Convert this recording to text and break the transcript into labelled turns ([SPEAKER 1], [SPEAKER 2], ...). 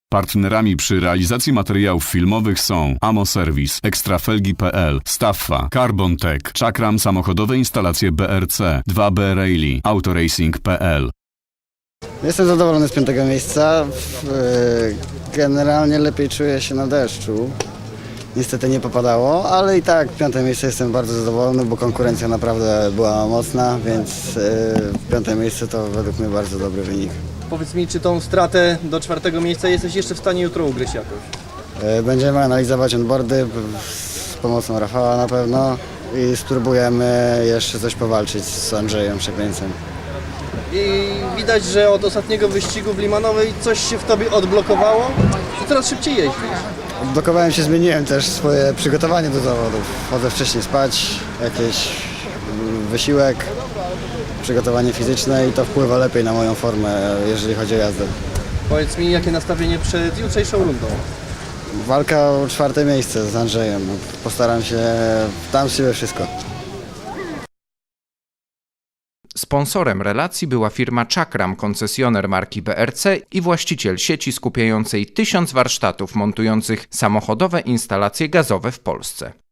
[SPEAKER 1] Partnerami przy realizacji materiałów filmowych są Amo Service, Ekstrafelgi.pl, Staffa, Carbon Tech, Czakram Samochodowe Instalacje BRC, 2B Rally, Autoracing.pl.
[SPEAKER 2] Jestem zadowolony z 5. miejsca. Generalnie lepiej czuję się na deszczu. Niestety nie popadało, ale i tak 5. miejsce jestem bardzo zadowolony, bo konkurencja naprawdę była mocna, więc 5. miejsce to według mnie bardzo dobry wynik.
[SPEAKER 3] Powiedz mi, czy tą stratę do 4. miejsca jesteś jeszcze w stanie jutro ugryźć jakoś?
[SPEAKER 2] Będziemy analizować onboardy z pomocą Rafała na pewno i spróbujemy jeszcze coś powalczyć z Andrzejem Przeklęcem.
[SPEAKER 3] I widać, że od ostatniego wyścigu w Limanowej coś się w tobie odblokowało i coraz szybciej jeździsz.
[SPEAKER 2] Odblokowałem się, zmieniłem też swoje przygotowanie do zawodów. Chodzę wcześniej spać, jakiś wysiłek, przygotowanie fizyczne i to wpływa lepiej na moją formę, jeżeli chodzi o jazdę.
[SPEAKER 3] Powiedz mi, jakie nastawienie przed jutrzejszą rundą?
[SPEAKER 2] Walka o 4. miejsce z Andrzejem. Postaram się, dam z siebie wszystko.
[SPEAKER 4] Sponsorem relacji była firma Czakram, koncesjoner marki BRC i właściciel sieci skupiającej 1000 warsztatów montujących samochodowe instalacje gazowe w Polsce.